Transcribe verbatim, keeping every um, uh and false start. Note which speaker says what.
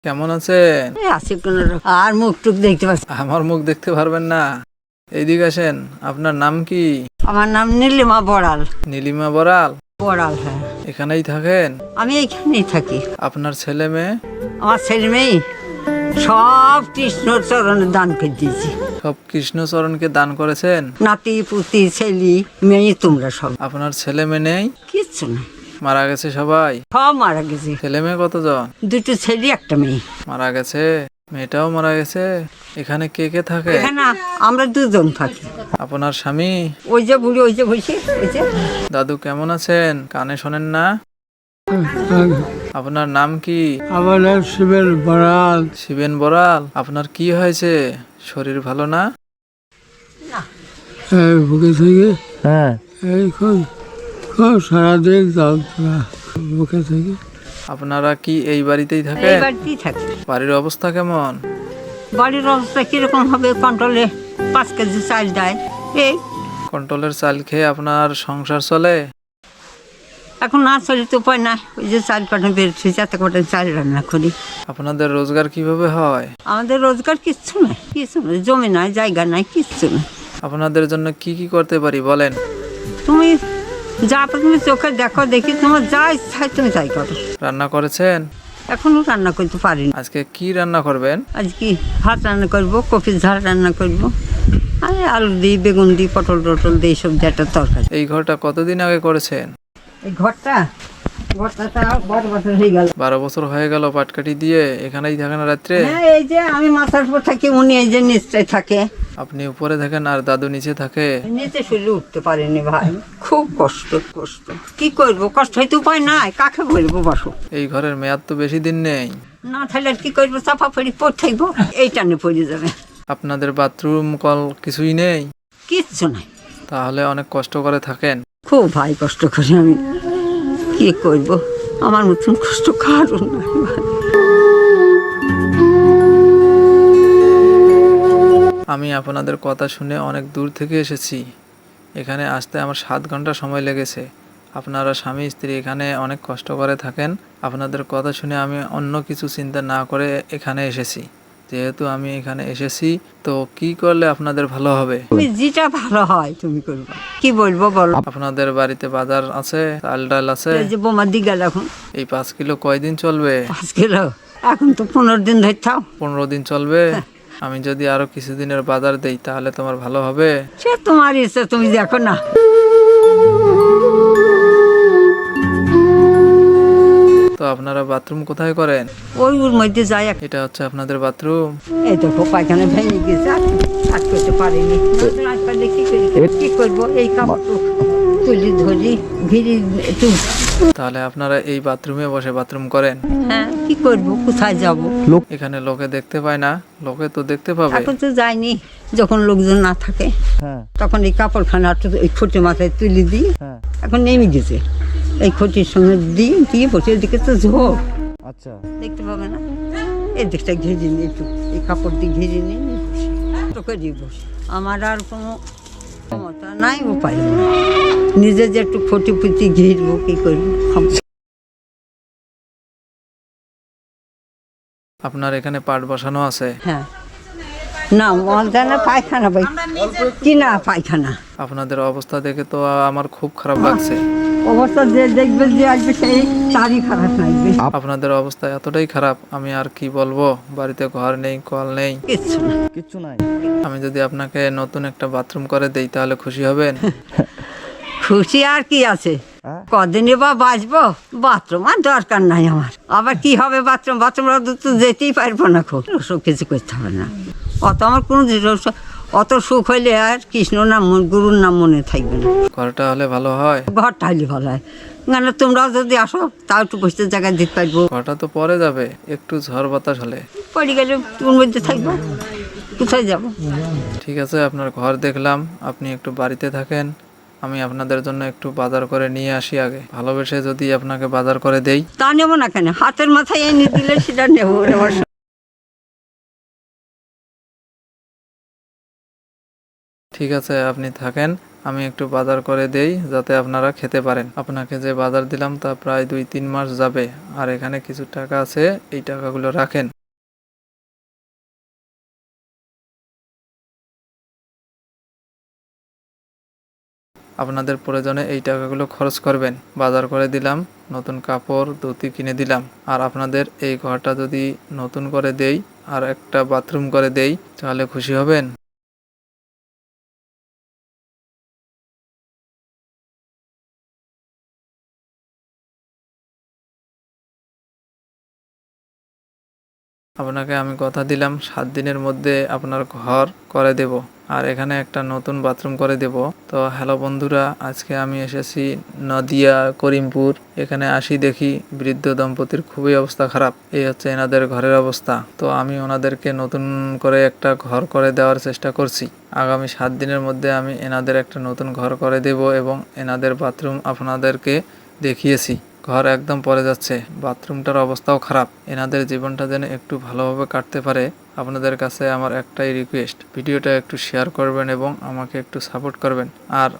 Speaker 1: কেমন আছেন?
Speaker 2: এই আছি কোনো রকম। আর মুখ টুক দেখতে পাচ্ছি।
Speaker 1: আমার মুখ দেখতে পারবেন না, এইদিকে আসেন। আপনার নাম কি?
Speaker 2: আমার নাম নীলিমা বড়াল।
Speaker 1: নীলিমা বড়াল?
Speaker 2: বড়াল, হ্যাঁ।
Speaker 1: এখানেই থাকেন?
Speaker 2: আমি এইখানেই থাকি।
Speaker 1: আপনার ছেলে মেয়ে?
Speaker 2: আমার ছেলে মেয়ে সব কৃষ্ণ চরণে দান করে দিয়েছি।
Speaker 1: সব কৃষ্ণচরণকে দান করেছেন?
Speaker 2: নাতি পুতি ছেলে মেয়ে তোমরা সব।
Speaker 1: আপনার ছেলে মেয়ে নেই?
Speaker 2: কিচ্ছু না,
Speaker 1: মারা গেছে সবাই?
Speaker 2: সব মারা গেছে।
Speaker 1: ছেলে মেয়ে কতজন?
Speaker 2: দুটো ছেলে একটা মেয়ে
Speaker 1: মারা গেছে? মেয়েটাও মারা গেছে? এখানে কে কে থাকে?
Speaker 2: এখানে আমরা দুজন থাকি।
Speaker 1: আপনার স্বামী?
Speaker 2: ওই যে বুড়ি, ওই যে বসে, ওই যে।
Speaker 1: দাদু কেমন আছেন? কানে শোনেন না? আপনার নাম কি?
Speaker 3: আমার নাম শিবেন বড়াল।
Speaker 1: শিবেন বড়াল। আপনার কি হয়েছে? শরীর ভালো না?
Speaker 3: এই বুকে থেকে
Speaker 1: হ্যাঁ।
Speaker 3: এই খুব খুব সারাদিন যন্ত্রণা বুকে থেকে।
Speaker 1: আপনারা কি এই বাড়িতেই
Speaker 2: এই
Speaker 1: থাকেন?
Speaker 2: বাড়িতেই থাকি।
Speaker 1: বাড়ির অবস্থা কেমন?
Speaker 2: বাড়ির অবস্থা কিরকম হবে? কন্ট্রোলে পাঁচ কেজি চাল দেয়। এই
Speaker 1: কন্ট্রোলের চাল খেয়ে আপনার সংসার চলে?
Speaker 2: এখন না চলি তো উপায় না। ওই যে চাল পাঠা বেরোচ্ছে, যাতে করে চাল রান্না করি।
Speaker 1: আপনাদের রোজগার কিভাবে হয়?
Speaker 2: আমাদের রোজগার কিচ্ছু নাই, কিচ্ছু নাই, জমি নাই, জায়গা নাই, কিচ্ছু নাই।
Speaker 1: আপনাদের জন্য কি কি করতে পারি বলেন?
Speaker 2: তুমি যা তুমি চোখে দেখো, দেখি তোমার যা ইচ্ছা হয় তুমি তাই করো।
Speaker 1: রান্না করেছেন?
Speaker 2: এখনো রান্না করতে পারিনি।
Speaker 1: আজকে কি রান্না করবেন?
Speaker 2: আজ কি ভাত রান্না করবো, কপির ঝাল রান্না করবো, আর আলু দিই, বেগুন দিই, পটল টটল দিই, সবজি একটা তরকারি।
Speaker 1: এই ঘরটা কতদিন আগে করেছেন?
Speaker 2: এই ঘরটা ঘরটা তাও বড় বছর হয়ে গেল।
Speaker 1: বারো বছর হয়ে গেল পাটকাঠি দিয়ে। এখানেই থাকেন রাত্রে?
Speaker 2: হ্যাঁ, এই যে আমি মাথার উপর থাকি, উনি এই যে নিচটায় থাকে।
Speaker 1: আপনি উপরে থাকেন আর দাদু নিচে থাকে?
Speaker 2: নিচে শুলে উঠতে পারিনি ভাই, খুব কষ্ট কষ্ট। কি করবো, কষ্ট হইতে উপায় নাই, কাকে বলবো বসো।
Speaker 1: এই ঘরের মেয়াদ তো বেশি দিন নেই।
Speaker 2: না থাকলে আর কি করবো, চাপা পড়ি পড়ে থাকবো, এই টানে পড়ে যাবে।
Speaker 1: আপনাদের বাথরুম কল কিছুই নেই?
Speaker 2: কিচ্ছু নাই।
Speaker 1: তাহলে অনেক কষ্ট করে থাকেন।
Speaker 2: খুব ভাই কষ্ট করি আমি, কি করবো, আমার মতন কষ্ট কারো নাই ভাই।
Speaker 1: আমি আপনাদের কথা শুনে অনেক দূর থেকে এসেছি। এখানে আসতে আমার সাত ঘন্টা সময় লেগেছে। আপনারা স্বামী স্ত্রী এখানে অনেক কষ্ট করে থাকেন। আপনাদের কথা শুনে আমি অন্য কিছু চিন্তা না করে এখানে এসেছি। যেহেতু আমি এখানে এসেছি, তো কি করলে আপনাদের ভালো হবে?
Speaker 2: তুমি যেটা ভালো হয় তুমি করবা, কি বলবো বলো।
Speaker 1: আপনাদের বাড়িতে বাজার আছে? চাল ডাল আছে?
Speaker 2: এই যে বোমা দি গেল এখন।
Speaker 1: এই পাঁচ কিলো কয়দিন চলবে?
Speaker 2: পাঁচ কিলো এখন তো পনেরো দিন ধরে থাও।
Speaker 1: পনেরো দিন চলবে? আমি যদি আরো কিছুদিনের বাজার দেই তাহলে তোমার ভালো হবে?
Speaker 2: সে তোমার ইচ্ছা, তুমি দেখো না।
Speaker 1: তো আপনারা বাথরুম কোথায় করেন?
Speaker 2: ওই ওর মধ্যে যাই।
Speaker 1: এটা হচ্ছে আপনাদের বাথরুম?
Speaker 2: এই দেখো পায়খানা ভেঙে গেছে, আর করতে পারিনি। আসলে কি করি, কি করবো, এই কাপড় তুলি ধরি ঘিরি একটু।
Speaker 1: তাহলে আপনারা এই বাথরুমে বসে বাথরুম করেন?
Speaker 2: হ্যাঁ, কি করবো, কোথায় যাবো।
Speaker 1: এখানে লোকে দেখতে পায় না? লোকে তো দেখতে পাবে।
Speaker 2: এখন তো যাইনি, যখন লোকজন না থাকে তখন এই কাপড়খানা একটু এই খুঁটি মাথায় তুলি দিই। এখন নেমে গেছে, এই খুঁটির সঙ্গে দিই, দিয়ে বসে, এদিকে তো ঝোপ,
Speaker 1: আচ্ছা,
Speaker 2: দেখতে পাবে না। এই দিকটা ঘিরে নিই, একটু এই কাপড় দিয়ে ঘিরে নিই, তোকে দিয়ে বসে। আমার আর কোনো ক্ষমতা নাই, উপায় নেই। নিজে যে একটু খুঁটি পুঁটি ঘিরবো, কি করবো।
Speaker 1: আপনার এখানে পাট বসানো আছে?
Speaker 2: হ্যাঁ, না মলদানা পায়খানা ভাই, কি না পায়খানা।
Speaker 1: আপনাদের অবস্থা দেখে তো আমার খুব খারাপ লাগছে।
Speaker 2: অবস্থা যে দেখবে, যে আসবে সেই তারই খারাপ লাগবে।
Speaker 1: আপনাদের অবস্থা এতটাই খারাপ, আমি আর কি বলবো। বাড়িতে ঘর নেই, কল নেই,
Speaker 2: কিচ্ছু না,
Speaker 3: কিচ্ছু নাই।
Speaker 1: আমি যদি আপনাকে নতুন একটা বাথরুম করে দেই তাহলে খুশি হবেন?
Speaker 2: খুশি আর কি আছে, কদিনই বা বাঁচবো। বাথরুম আর দরকার নাই আমার। আবার কি হবে বাথরুম, বাথরুম তো যেতেই পারবো না, খুব ওসব কিছু করতে হবে না। অত আমার কোনো জিনিস- অত সুখ হইলে আর কৃষ্ণ নাম গুরুর নাম মনে থাকবে না।
Speaker 1: ঘরটা হলে ভালো হয়?
Speaker 2: ঘরটা হইলে ভালো হয়, কেন তোমরাও যদি আসো তাও একটু বসতে জায়গায় দিতে পারবো।
Speaker 1: ঘরটা তো পরে যাবে, একটু ঝড় বাতাস হলে।
Speaker 2: পড়ে গেলে তোর মধ্যে থাকবো, কোথায় যাবো।
Speaker 1: ঠিক আছে, আপনার ঘর দেখলাম, আপনি একটু বাড়িতে থাকেন। আমি আপনাদের জন্য একটু বাজার করে নিয়ে আসি আগে। ভালোবেসে যদি আপনাকে বাজার করে দেই।
Speaker 2: তা নেবো না কেন, হাতের মাথায় এনে দিলে সেটা নেবো। আমার
Speaker 1: ঠিক আছে, আপনি থাকেন, আমি একটু বাজার করে দেই যাতে আপনারা খেতে পারেন। আপনাকে যে বাজার দিলাম তা প্রায় দুই তিন মাস যাবে। আর এখানে কিছু টাকা আছে, এই টাকাগুলো রাখেন। আপনাদের প্রয়োজনে এই টাকাগুলো খরচ করবেন। বাজার করে দিলাম, নতুন কাপড় ধুতি কিনে দিলাম। আর আপনাদের এই ঘরটা যদি নতুন করে দেই আর একটা বাথরুম করে দেই তাহলে খুশি হবেন। আপনাকে আমি কথা দিলাম সাত দিনের মধ্যে আপনার ঘর করে দেব আর এখানে একটা নতুন বাথরুম করে দেব। তো হ্যালো বন্ধুরা, আজকে আমি এসেছি নদিয়া করিমপুর। এখানে আসি দেখি বৃদ্ধ দম্পতির খুবই অবস্থা খারাপ। এই হচ্ছে এনাদের ঘরের অবস্থা। তো আমি ওনাদেরকে নতুন করে একটা ঘর করে দেওয়ার চেষ্টা করছি। আগামী সাত দিনের মধ্যে আমি এনাদের একটা নতুন ঘর করে দেব এবং এনাদের বাথরুম আপনাদেরকে দেখিয়েছি। ঘর একদম পড়ে যাচ্ছে, বাথরুমটার অবস্থাও খারাপ। এনাদের জীবনটা যেন একটু ভালোভাবে কাটতে পারে, আপনাদের কাছে আমার একটাই রিকোয়েস্ট, ভিডিওটা একটু শেয়ার করবেন এবং আমাকে একটু সাপোর্ট করবেন। আর